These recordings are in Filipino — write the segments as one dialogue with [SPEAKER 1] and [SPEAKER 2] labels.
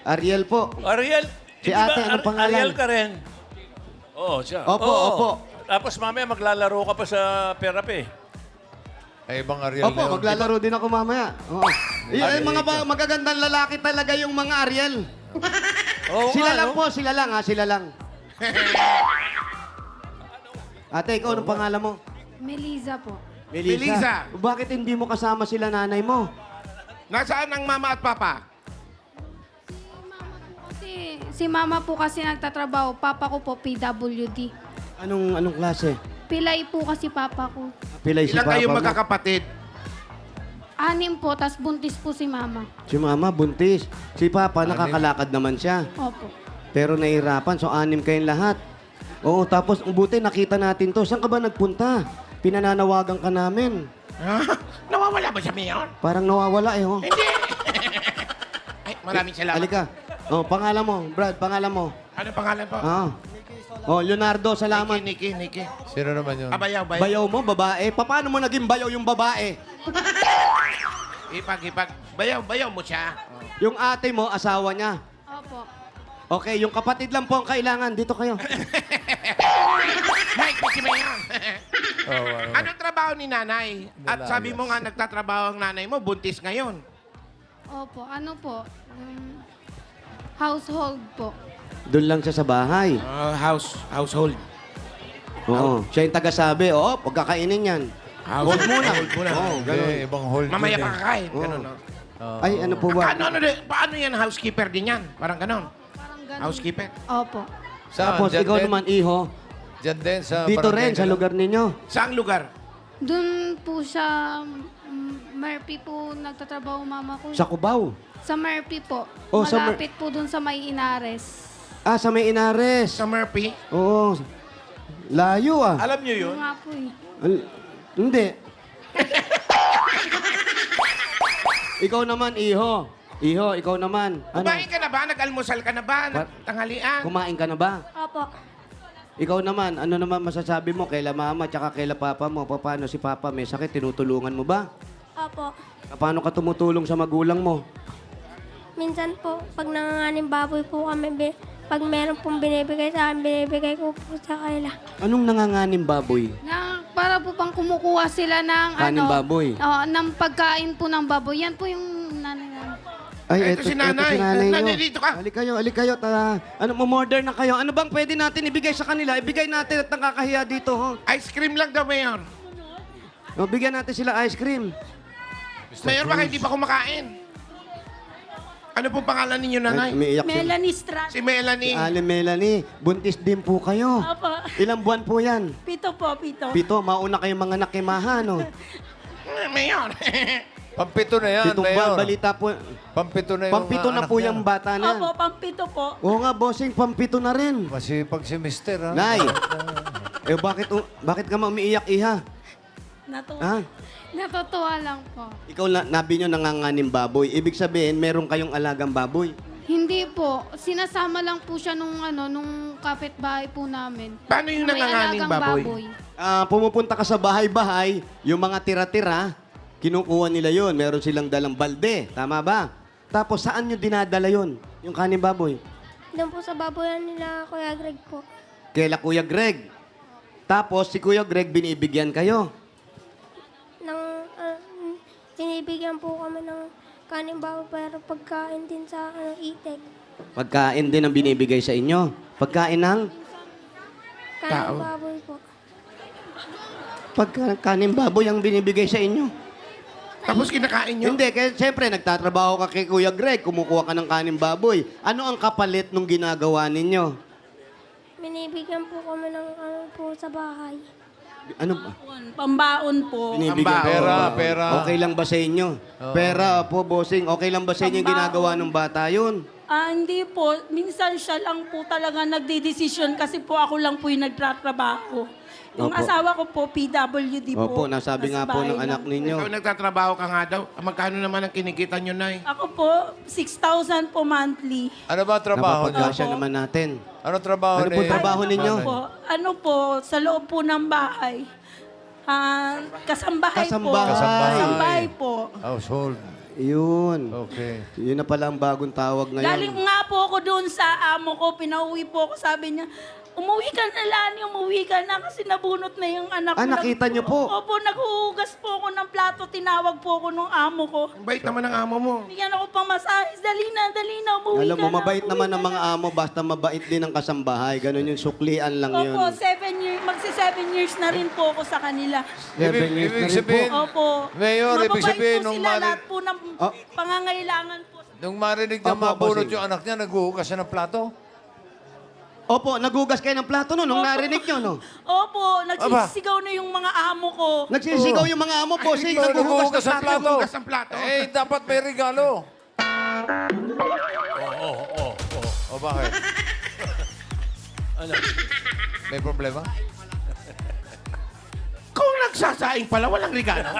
[SPEAKER 1] Ariel po.
[SPEAKER 2] Ariel.
[SPEAKER 1] Si
[SPEAKER 2] hindi ba
[SPEAKER 1] ate, anong pangalan?
[SPEAKER 2] Ariel ka rin. Oo, siya.
[SPEAKER 1] Opo,
[SPEAKER 2] Oo.
[SPEAKER 1] opo.
[SPEAKER 2] Tapos mamaya maglalaro ka pa sa therapy.
[SPEAKER 3] Ay, ibang Ariel
[SPEAKER 1] Opo,
[SPEAKER 3] na yun.
[SPEAKER 1] maglalaro din ako mamaya. Oo. Yung mga magagandang lalaki talaga yung mga Ariel.
[SPEAKER 2] Oo
[SPEAKER 1] Sila
[SPEAKER 2] nga,
[SPEAKER 1] lang
[SPEAKER 2] no?
[SPEAKER 1] po, sila lang ha, sila lang. Ate, ikaw, anong pangalan mo?
[SPEAKER 4] Melissa po.
[SPEAKER 5] Melissa.
[SPEAKER 1] Bakit hindi mo kasama sila nanay mo?
[SPEAKER 5] Nasaan ang mama at papa?
[SPEAKER 4] Si mama po kasi nagtatrabaho. Papa ko po PWD.
[SPEAKER 1] Anong klase?
[SPEAKER 4] Pilay po kasi papa ko.
[SPEAKER 1] Pilay si
[SPEAKER 5] Ilan
[SPEAKER 1] papa
[SPEAKER 5] kayong
[SPEAKER 1] mo?
[SPEAKER 5] magkakapatid?
[SPEAKER 4] 6 po, tas buntis po si mama.
[SPEAKER 1] Si mama, buntis. Si papa, nakakalakad naman siya.
[SPEAKER 4] Opo.
[SPEAKER 1] Pero nahihirapan, so 6 kayong lahat. Oo, tapos buti nakita natin to. Saan ka ba nagpunta? Pinananawagan ka namin.
[SPEAKER 5] Ha? Nawawala ba siya, Mayor?
[SPEAKER 1] Parang nawawala eh, oh.
[SPEAKER 5] Hindi. Ay, maraming salamat.
[SPEAKER 1] Halika. Oh, pangalan mo, Brad, pangalan mo.
[SPEAKER 5] Ano pangalan po?
[SPEAKER 1] Ah. Oh, Leonardo, salamat.
[SPEAKER 5] Nikki.
[SPEAKER 3] Sino naman yun?
[SPEAKER 5] Bayaw.
[SPEAKER 1] Bayaw mo, babae. Paano mo naging bayaw yung babae?
[SPEAKER 5] Ipag. Bayaw mo siya.
[SPEAKER 1] Yung ate mo, asawa niya.
[SPEAKER 4] Opo.
[SPEAKER 1] Okay, yung kapatid lang po ang kailangan. Dito kayo.
[SPEAKER 5] Mike, si Mayor.
[SPEAKER 3] Oh,
[SPEAKER 5] Anong trabaho ni nanay? At sabi mo nga nagtatrabaho ang nanay mo, buntis ngayon.
[SPEAKER 4] Opo. Ano po? Household po.
[SPEAKER 1] Doon lang siya sa bahay.
[SPEAKER 5] Household.
[SPEAKER 1] Oo. Siya yung taga-sabi. Oo, pagkakainin yan.
[SPEAKER 5] Hold muna.
[SPEAKER 1] Oo, ganun.
[SPEAKER 3] Hindi, ibang hold
[SPEAKER 5] Mamaya
[SPEAKER 3] yun
[SPEAKER 5] pa
[SPEAKER 3] eh.
[SPEAKER 5] kakain.
[SPEAKER 1] Oo.
[SPEAKER 5] Ganun, no?
[SPEAKER 1] Ay, ano po ba?
[SPEAKER 5] Paano yan? Housekeeper din yan? Parang ganon.
[SPEAKER 4] Parang ganun.
[SPEAKER 5] Housekeeper.
[SPEAKER 4] Opo.
[SPEAKER 3] Saan?
[SPEAKER 1] Tapos
[SPEAKER 3] Dyan
[SPEAKER 1] ikaw
[SPEAKER 3] din?
[SPEAKER 1] naman, iho.
[SPEAKER 3] Dyan din sa
[SPEAKER 1] Dito
[SPEAKER 3] barangay
[SPEAKER 1] rin, sa
[SPEAKER 3] nila?
[SPEAKER 1] lugar ninyo.
[SPEAKER 5] Saang lugar?
[SPEAKER 4] Doon po siya, Murphy po nagtatrabaho mama ko.
[SPEAKER 1] Sa Cubao.
[SPEAKER 4] Sa Murphy po.
[SPEAKER 1] Oh, sa
[SPEAKER 4] Malapit po doon sa May Inares.
[SPEAKER 1] Ah, sa may Inares.
[SPEAKER 5] Sa Murphy?
[SPEAKER 1] Oo. Layo ah.
[SPEAKER 2] Alam niyo yun?
[SPEAKER 4] Yun nga po eh.
[SPEAKER 1] Hindi. Ikaw naman, iho. Iho, ikaw naman. Ano?
[SPEAKER 5] Kumain ka na ba? Nag-almusal ka na ba? Tanghalian?
[SPEAKER 1] Kumain ka na ba?
[SPEAKER 4] Opo.
[SPEAKER 1] Ikaw naman, ano naman masasabi mo kaila mama tsaka kaila papa mo? Paano si papa may sakit? Tinutulungan mo ba?
[SPEAKER 6] Opo.
[SPEAKER 1] Paano ka tumutulong sa magulang mo?
[SPEAKER 6] Minsan po, pag nanganganing baboy po kami, pag meron pong binibigay sa akin, binibigay ko po sa kanila.
[SPEAKER 1] Anong nanganganim baboy?
[SPEAKER 4] Para po pang kumukuha sila ng
[SPEAKER 1] Kanin baboy.
[SPEAKER 4] ng pagkain po ng baboy. Yan po yung nanay namin.
[SPEAKER 1] Ay,
[SPEAKER 5] Ito si nanay. Nanay,
[SPEAKER 1] nyo.
[SPEAKER 5] dito ka.
[SPEAKER 1] Halik kayo. Ano, mamorder na kayo. Ano bang pwede natin ibigay sa kanila? Ibigay natin at nakakahiya dito, ho.
[SPEAKER 5] Ice cream lang daw, Mayor.
[SPEAKER 1] O, bigyan natin sila ice cream.
[SPEAKER 5] Mayor, baka hindi pa kumakain. Ano pong pangalan ninyo, nanay?
[SPEAKER 1] Ay, umiiyak siya.
[SPEAKER 7] Melanie Strat.
[SPEAKER 5] Si Melanie.
[SPEAKER 1] Ali Melanie, buntis din po kayo.
[SPEAKER 7] Opo.
[SPEAKER 1] Ilang buwan po yan?
[SPEAKER 7] 7 po, 7.
[SPEAKER 1] Pito, mauna kayong mga nakimahan, no?
[SPEAKER 5] Mayor.
[SPEAKER 3] Pampito na yan,
[SPEAKER 1] Pitong buwan,
[SPEAKER 3] Mayor.
[SPEAKER 1] balita po.
[SPEAKER 3] Pampito na yung
[SPEAKER 1] Pampito na
[SPEAKER 3] anak
[SPEAKER 1] po
[SPEAKER 3] niya.
[SPEAKER 1] yung bata na.
[SPEAKER 7] Opo, pang-7 po.
[SPEAKER 1] Oo nga, bossing, pampito na rin.
[SPEAKER 3] Masipag si Mister, ha?
[SPEAKER 1] Nay, bakit ka umiiyak, iha?
[SPEAKER 7] Natuwa.
[SPEAKER 1] Ha?
[SPEAKER 4] Natutuwa lang po.
[SPEAKER 1] Ikaw, nabi nyo nanganganim baboy. Ibig sabihin, meron kayong alagang baboy.
[SPEAKER 4] Hindi po. Sinasama lang po siya nung kapitbahay po namin.
[SPEAKER 5] Paano yung
[SPEAKER 4] Na may
[SPEAKER 5] nanganganing
[SPEAKER 4] alagang
[SPEAKER 5] baboy?
[SPEAKER 1] Pumupunta ka sa bahay-bahay, yung mga tira-tira, kinukuha nila yon. Meron silang dalang balde. Tama ba? Tapos, saan nyo dinadala yon? Yung kanin baboy?
[SPEAKER 6] Doon po sa baboyan nila, Kuya Greg po.
[SPEAKER 1] Kaila Kuya Greg. Tapos, si Kuya Greg, binibigyan kayo.
[SPEAKER 6] Tinibigyan po kami ng kanin baboy pero pagkain din sa itek.
[SPEAKER 1] Pagkain din ang binibigay sa inyo. Pagkain ng?
[SPEAKER 6] Kanin baboy po.
[SPEAKER 1] Kanin baboy ang binibigay sa inyo.
[SPEAKER 5] Tapos kinakain nyo?
[SPEAKER 1] Hindi, kaya siyempre, nagtatrabaho ka kay Kuya Greg, kumukuha ka ng kanin baboy. Ano ang kapalit nung ginagawa ninyo?
[SPEAKER 6] Binibigyan po kami ng po sa bahay.
[SPEAKER 1] Ano ba?
[SPEAKER 7] Pambaon po.
[SPEAKER 1] Binibigyan
[SPEAKER 5] Pera,
[SPEAKER 3] pera.
[SPEAKER 1] Okay lang ba sa inyo? Pera po, bossing. Okay lang ba sa inyo yung ginagawa ng bata yun?
[SPEAKER 7] Hindi po. Minsan siya lang po talaga nagdidesisyon kasi po ako lang po yung nagtatrabaho. Yung
[SPEAKER 1] Opo.
[SPEAKER 7] asawa ko po, PWD po.
[SPEAKER 1] Opo, nasabi nga
[SPEAKER 7] Nasa
[SPEAKER 1] po
[SPEAKER 7] bahay
[SPEAKER 1] ng anak
[SPEAKER 7] lang.
[SPEAKER 1] ninyo.
[SPEAKER 5] Ikaw nagtatrabaho ka nga daw. Magkano naman ang kinikita nyo, Nay?
[SPEAKER 7] Ako po, 6,000 po monthly.
[SPEAKER 3] Ano ba trabaho niya?
[SPEAKER 1] Napapagkasya naman natin.
[SPEAKER 3] Ano trabaho
[SPEAKER 1] Ano po
[SPEAKER 3] ni-
[SPEAKER 1] trabaho ninyo?
[SPEAKER 7] Ano po, sa loob po ng bahay. Kasambahay, po.
[SPEAKER 1] Kasambahay.
[SPEAKER 7] Kasambahay po.
[SPEAKER 3] Household.
[SPEAKER 1] Yun.
[SPEAKER 3] Okay.
[SPEAKER 1] Yun na pala ang bagong tawag ngayon.
[SPEAKER 7] Galing nga po ako doon sa amo ko, pinauwi po ako, sabi niya, umuwi ka na, Lani, umuwi ka na kasi nabunot na yung anak ko.
[SPEAKER 1] Ah, nakita niyo po?
[SPEAKER 7] Opo, naghuhugas po ako ng plato, tinawag po ako ng amo ko.
[SPEAKER 5] Ang bait naman ng amo mo.
[SPEAKER 7] Bigyan ako pang masahis, dali na, umuwi
[SPEAKER 1] Alam
[SPEAKER 7] ka
[SPEAKER 1] mo,
[SPEAKER 7] na.
[SPEAKER 1] mabait
[SPEAKER 7] umuwi
[SPEAKER 1] naman
[SPEAKER 7] ka
[SPEAKER 1] ang mga
[SPEAKER 7] na.
[SPEAKER 1] amo, basta mabait din ang kasambahay. Ganun yung suklian lang yun.
[SPEAKER 7] Opo, 7 years, magsi-7 years na rin po ako sa kanila.
[SPEAKER 1] 7 years na
[SPEAKER 3] Ibig
[SPEAKER 1] rin po.
[SPEAKER 3] sabihin,
[SPEAKER 7] Opo.
[SPEAKER 3] Mayor, ibig
[SPEAKER 7] Mababait
[SPEAKER 3] sabihin
[SPEAKER 7] po
[SPEAKER 3] nung
[SPEAKER 7] sila,
[SPEAKER 3] mari-
[SPEAKER 7] lahat po ng
[SPEAKER 1] Oh.
[SPEAKER 7] pangangailangan po.
[SPEAKER 3] nung marinig niya
[SPEAKER 1] Opo,
[SPEAKER 3] mabunot
[SPEAKER 1] bossing.
[SPEAKER 3] yung anak niya, naghuhugas siya ng plato?
[SPEAKER 1] Opo, nagugas kayo ng plato no, nung narinig nyo, no?
[SPEAKER 7] Opo, nagsisigaw na yung mga amo ko.
[SPEAKER 1] Nagsisigaw yung mga amo, bossing,
[SPEAKER 3] Ikaw,
[SPEAKER 1] naghuhugas ng
[SPEAKER 3] ng
[SPEAKER 1] plato.
[SPEAKER 5] Naghuhugas ng plato.
[SPEAKER 3] Eh, dapat may regalo. O bakit?
[SPEAKER 2] Ano?
[SPEAKER 3] May problema?
[SPEAKER 5] Kung nagsasaing pala, walang regalo.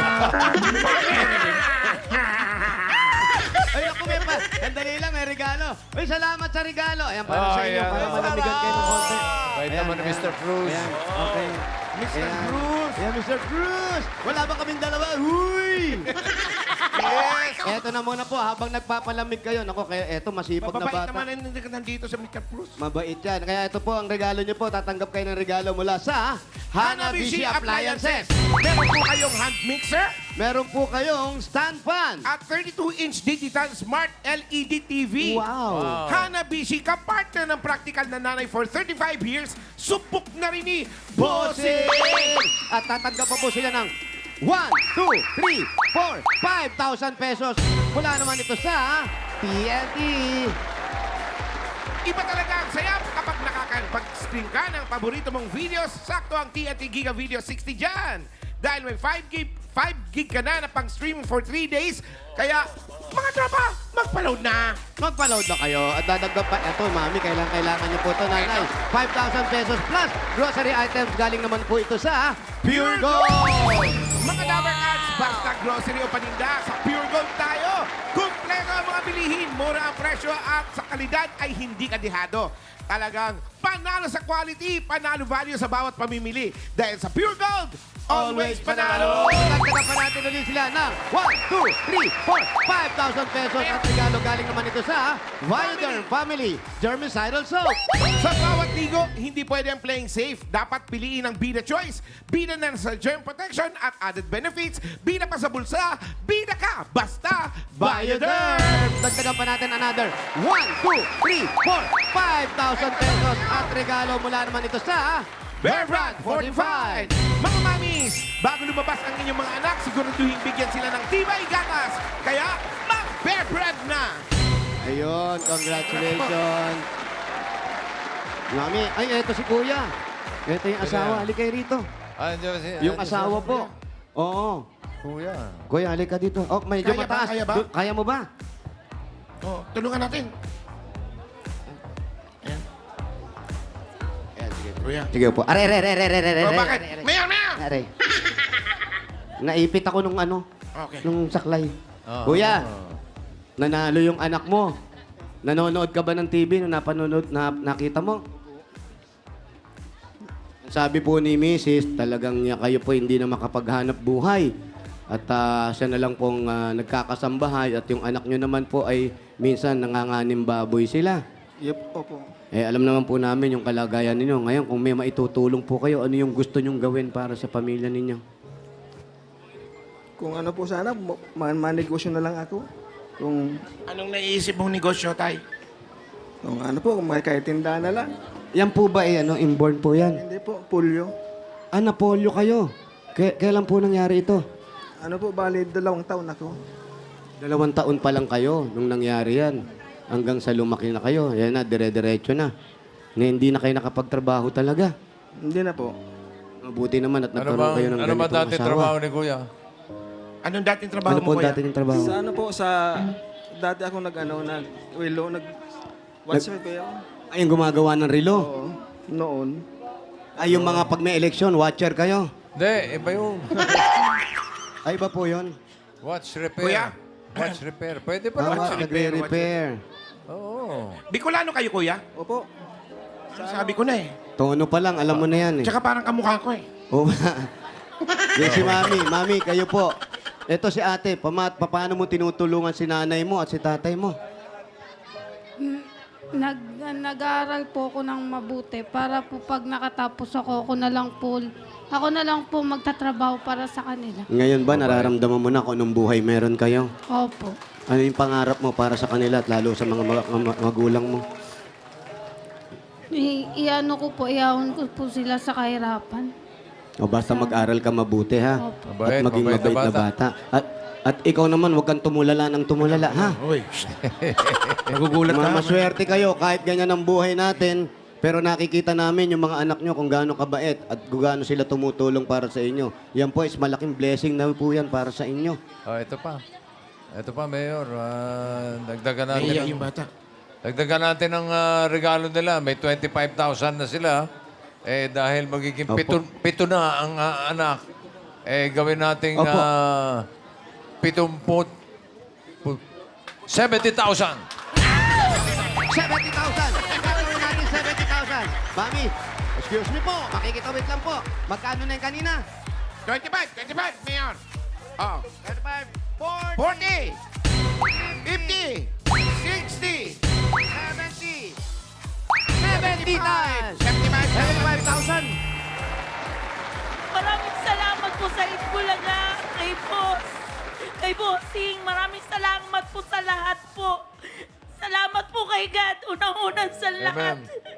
[SPEAKER 1] Ay, ako may pa. Sandali lang, may regalo. Uy, salamat sa regalo. Ayan, para sa inyo,
[SPEAKER 3] Ayan.
[SPEAKER 1] para malamigan kayo ng konti.
[SPEAKER 3] Bait naman ni Mr. Cruz.
[SPEAKER 1] Ayan, okay.
[SPEAKER 5] Mr.
[SPEAKER 1] Ayan.
[SPEAKER 5] Cruz.
[SPEAKER 1] Ayan, Mr. Cruz. Wala ba kaming dalawa? Huy!
[SPEAKER 5] Yes.
[SPEAKER 1] Eto na muna po, habang nagpapalamig kayo. Naku, kaya eto, masipag na
[SPEAKER 5] Mababait
[SPEAKER 1] bata.
[SPEAKER 5] naman ang nandito sa Mr. Cruz.
[SPEAKER 1] Mabait yan. Kaya ito po ang regalo nyo po. Tatanggap kayo ng regalo mula sa Hanabishi Appliances.
[SPEAKER 5] Meron po kayong hand mixer
[SPEAKER 1] Meron po kayong stand fan.
[SPEAKER 5] at 32-inch digital smart LED TV.
[SPEAKER 1] Wow.
[SPEAKER 5] Hanabishi, kapartner ng practical na nanay for 35 years, supok na rin ni
[SPEAKER 1] Bossing!
[SPEAKER 5] Bossing!
[SPEAKER 1] At tatanggap pa po sila ng 1, 2, 3, 4, 5,000 pesos. Mula naman ito sa TNT.
[SPEAKER 5] Iba talaga ang saya kapag nakakapag-stream ka ng paborito mong videos. Sakto ang TNT Giga Video 60 dyan. Dahil may 5 gig ka na pang-stream for 3 days. Kaya, mga tropa, mag-load na.
[SPEAKER 1] Magpa-load na kayo at dadagdag pa. Ito, mami, kailangan niyo po ito, nanay. 5,000 pesos plus grocery items. Galing naman po ito sa Pure Gold.
[SPEAKER 5] Mga Dabber Ads, basta grocery o paninda, sa Pure Gold tayo. Kumpleto ang mga bilihin, mura ang presyo at sa kalidad ay hindi kadihado. Talagang panalo sa quality, panalo value sa bawat pamimili. Dahil sa Pure Gold, always panalo!
[SPEAKER 1] Dagdagan pa natin ulit sila ng 1, 2, 3, 4, 5,000 pesos. At regalo galing naman ito sa Wilder Family Germicidal Soap.
[SPEAKER 5] Sa bawat ligo, hindi pwede ang playing safe. Dapat piliin ang Bida Choice. Bida na sa germ protection at added benefits. Bida pa sa bulsa. Bida ka! Basta Bioderm!
[SPEAKER 1] Dagdagan pa natin another 1, 2, 3, 4, 5,000 pesos. At regalo mula naman ito sa
[SPEAKER 5] Bear Brand Fortified! Mga mamis, bago lumabas ang inyong mga anak, siguraduhin bigyan sila ng tibay gatas. Kaya, mag-Bear Brand na!
[SPEAKER 1] Ayun, congratulations. Mami, ay, eto si Kuya. Ito yung asawa. Halika kayo rito. Yung asawa po. Oo.
[SPEAKER 3] Kuya.
[SPEAKER 1] Kuya, halika dito. Oh, medyo
[SPEAKER 5] Kaya ba?
[SPEAKER 1] mataas.
[SPEAKER 5] Kaya ba?
[SPEAKER 1] Kaya mo ba?
[SPEAKER 5] Oh, tulungan natin.
[SPEAKER 1] Ayan, sige.
[SPEAKER 5] Kuya.
[SPEAKER 1] Sige po. Are.
[SPEAKER 5] Oh, bakit? Mayor!
[SPEAKER 1] Are. Naipit ako nung ano,
[SPEAKER 5] Okay.
[SPEAKER 1] nung saklay.
[SPEAKER 3] Ah.
[SPEAKER 1] Kuya, nanalo yung anak mo. Nanonood ka ba ng TV nung nakita mo? Sabi po ni Mrs., talagang niya kayo po hindi na makapaghanap buhay. At siya na lang pong nagkakasambahay at yung anak nyo naman po ay minsan nanganganim baboy sila.
[SPEAKER 8] Yep, opo.
[SPEAKER 1] Eh, alam naman po namin yung kalagayan ninyo. Ngayon, kung may maitutulong po kayo, ano yung gusto nyong gawin para sa pamilya ninyo?
[SPEAKER 8] Kung ano po sana, manegosyo na lang ako. Kung
[SPEAKER 5] Anong naiisip mong negosyo, Tay?
[SPEAKER 8] ano po, kung may kahit tindahan na lang.
[SPEAKER 1] Yan po ba eh, inborn po yan?
[SPEAKER 8] Hindi po, pulyo.
[SPEAKER 1] Napolyo kayo. Kailan po nangyari ito?
[SPEAKER 8] Ano po, bali 2 taon ako.
[SPEAKER 1] 2 taon pa lang kayo nung nangyari yan. Hanggang sa lumaki na kayo. Yan na, dire-diretso na. Hindi na kayo nakapagtrabaho talaga.
[SPEAKER 8] Hindi na po.
[SPEAKER 1] Mabuti naman at nagkaroon kayo ng
[SPEAKER 3] Ano ba
[SPEAKER 1] ganitong
[SPEAKER 3] dati
[SPEAKER 1] asawa.
[SPEAKER 3] trabaho ni Kuya?
[SPEAKER 5] Anong dating trabaho
[SPEAKER 1] Ano
[SPEAKER 5] mo,
[SPEAKER 1] po
[SPEAKER 5] Kuya?
[SPEAKER 1] dati yung trabaho?
[SPEAKER 8] Sa ano po, dati ako WhatsApp kayo.
[SPEAKER 1] Ay, yung gumagawa ng relo.
[SPEAKER 8] Oo, noon.
[SPEAKER 1] Ay, yung mga pag may eleksyon, watcher kayo.
[SPEAKER 3] Hindi, iba yun.
[SPEAKER 1] Ay, iba po yun.
[SPEAKER 3] Watch repair.
[SPEAKER 5] Kuya?
[SPEAKER 3] Watch repair. Pwede pa
[SPEAKER 1] Tama,
[SPEAKER 3] naman.
[SPEAKER 1] nagre-repair.
[SPEAKER 3] Oo.
[SPEAKER 5] Bicolano kayo, Kuya?
[SPEAKER 8] Opo.
[SPEAKER 5] Sabi ko na eh.
[SPEAKER 1] Tono pa lang, alam mo na yan eh.
[SPEAKER 5] Tsaka parang kamukha ko eh.
[SPEAKER 1] Oh, yan si Mami. Mami, kayo po. Ito si ate, paano mo tinutulungan si nanay mo at si tatay mo?
[SPEAKER 4] Nag-aaral po ako ng mabuti para po pag nakatapos ako na lang po magtatrabaho para sa kanila.
[SPEAKER 1] Ngayon ba, nararamdaman mo na kung anong buhay meron kayo?
[SPEAKER 4] Opo.
[SPEAKER 1] Ano yung pangarap mo para sa kanila at lalo sa mga magulang mo?
[SPEAKER 4] Iahon ko po sila sa kahirapan.
[SPEAKER 1] O basta mag-aral ka mabuti, ha?
[SPEAKER 4] Opo.
[SPEAKER 3] Mabait,
[SPEAKER 1] At maging
[SPEAKER 3] mabait na
[SPEAKER 1] mabait na bata. At ikaw naman, huwag kang tumulala ng tumulala, ha?
[SPEAKER 5] Uy, nagugulat ka.
[SPEAKER 1] Maswerte kayo kahit ganyan ang buhay natin, pero nakikita namin yung mga anak nyo kung gaano kabait at kung gaano sila tumutulong para sa inyo. Yan po is malaking blessing na po yan para sa inyo.
[SPEAKER 3] Oh, ito pa. Ito pa, Mayor. Dagdagan natin.
[SPEAKER 5] Naiiyak
[SPEAKER 3] ng-
[SPEAKER 5] yung bata.
[SPEAKER 3] Dagdagan natin ang regalo nila. May 25,000 na sila. Eh, dahil magiging
[SPEAKER 1] Opo.
[SPEAKER 3] pito na ang anak, eh, gawin nating
[SPEAKER 1] Opo.
[SPEAKER 3] 70,000.
[SPEAKER 1] 70,000! Gagawin natin 70,000! Mami, excuse me po, makikitawid lang po. Magkano na yung kanina?
[SPEAKER 5] 25, Mayor. Oh.
[SPEAKER 1] 35,
[SPEAKER 5] 40, 50, 60,
[SPEAKER 1] 70, 70 times!
[SPEAKER 5] 75,000.
[SPEAKER 1] 75,000!
[SPEAKER 7] Maraming salamat po sa Itbulaga, kay Boss, kay Bossing. Maraming salamat po sa lahat po. Salamat po kay God, unang-unang sa lahat.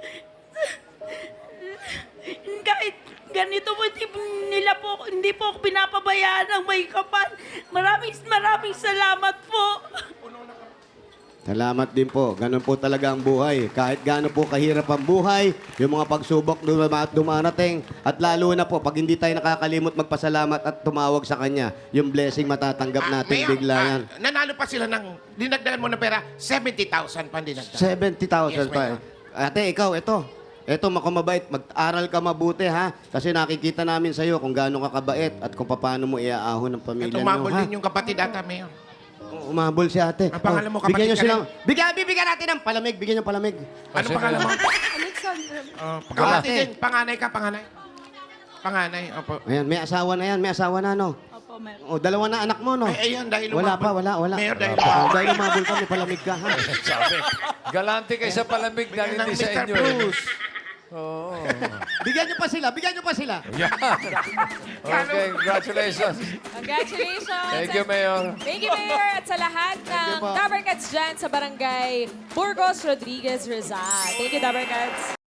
[SPEAKER 7] Kahit ganito po, hindi po ako pinapabayaan ng may kapal. Maraming salamat po.
[SPEAKER 1] Salamat din po. Ganun po talaga ang buhay. Kahit gaano po kahirap ang buhay, yung mga pagsubok dumarating, at lalo na po, pag hindi tayo nakakalimot magpasalamat at tumawag sa Kanya, yung blessing matatanggap natin
[SPEAKER 5] Mayor,
[SPEAKER 1] bigla yan.
[SPEAKER 5] nanalo pa sila ng, dinagdagan mo ng pera, 70,000 pa dinagdagan.
[SPEAKER 1] 70,000
[SPEAKER 5] Yes,
[SPEAKER 1] pa. Ate, ikaw, ito. Ito, makamabait. Mag-aral ka mabuti, ha? Kasi nakikita namin sa'yo kung gaano ka kabait at kung paano mo iaahon ng pamilya
[SPEAKER 5] Ito,
[SPEAKER 1] mo,
[SPEAKER 5] umabol
[SPEAKER 1] ha?
[SPEAKER 5] din yung kapatid ata, Mayor.
[SPEAKER 1] Umabol si ate.
[SPEAKER 5] Ang pangalan mo,
[SPEAKER 1] bigyan
[SPEAKER 5] kapatid
[SPEAKER 1] nyo
[SPEAKER 5] ka
[SPEAKER 1] silang... Bigyan natin ng palamig. Bigyan nyo palamig.
[SPEAKER 5] Ano pangalan mo? Kapatid din. Panganay ka, panganay. Panganay, opo.
[SPEAKER 1] Ayan, may asawa na yan. May asawa na, no?
[SPEAKER 7] Opo, meron.
[SPEAKER 1] O, dalawa na anak mo, no?
[SPEAKER 5] Ay, ayan, dahil
[SPEAKER 1] Wala
[SPEAKER 5] umabol.
[SPEAKER 1] pa, wala.
[SPEAKER 5] Mayor, dahil
[SPEAKER 1] Dahil umabol ka, may palamig ka, ha?
[SPEAKER 3] Sabi. Galante kayo sa palamig dahil
[SPEAKER 5] Bigyan ng
[SPEAKER 3] hindi sa
[SPEAKER 5] Mr.
[SPEAKER 3] inyo. eh.
[SPEAKER 5] Bruce.
[SPEAKER 3] Oo.
[SPEAKER 1] Bigyan nyo pa sila. Bigyan nyo pa sila.
[SPEAKER 3] Okay, congratulations.
[SPEAKER 9] Congratulations!
[SPEAKER 3] Thank you, Mayor.
[SPEAKER 9] Thank you, Mayor. At sa lahat ng Dabarkats dyan sa barangay Burgos Rodriguez Rizal. Thank you, Dabarkats.